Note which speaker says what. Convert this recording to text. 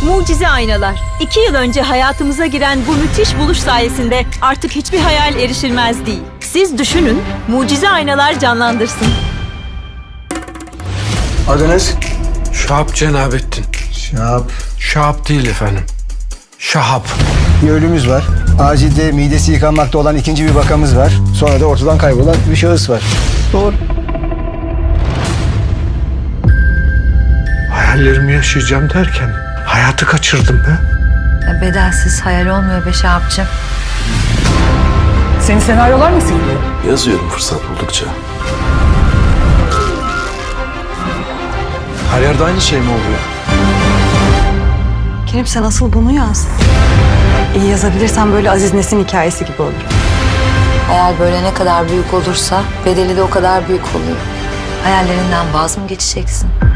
Speaker 1: Mucize aynalar. 2 yıl önce hayatımıza giren bu müthiş buluş sayesinde artık hiçbir hayal erişilmez değil. Siz düşünün, mucize aynalar canlandırsın.
Speaker 2: Adınız?
Speaker 3: Şahap Cenabettin.
Speaker 2: Şahap.
Speaker 3: Şahap değil efendim. Şahap.
Speaker 2: Bir ölümümüz var. Acilde midesi yıkanmakta olan ikinci bir vakamız var. Sonra da ortadan kaybolan bir şahıs var. Doğru.
Speaker 3: Hayallerimi yaşayacağım derken hayatı kaçırdım be.
Speaker 4: Bedelsiz hayal olmuyor be Şahapcığım.
Speaker 5: Senin senaryolar nasıl gidiyor?
Speaker 6: Yazıyorum fırsat buldukça.
Speaker 3: Her yerde aynı şey mi oluyor?
Speaker 5: Kerim sen asıl bunu yaz. İyi yazabilirsen böyle Aziz Nesin hikayesi gibi olur.
Speaker 4: Hayal böyle ne kadar büyük olursa bedeli de o kadar büyük oluyor. Hayallerinden vaz mı geçeceksin?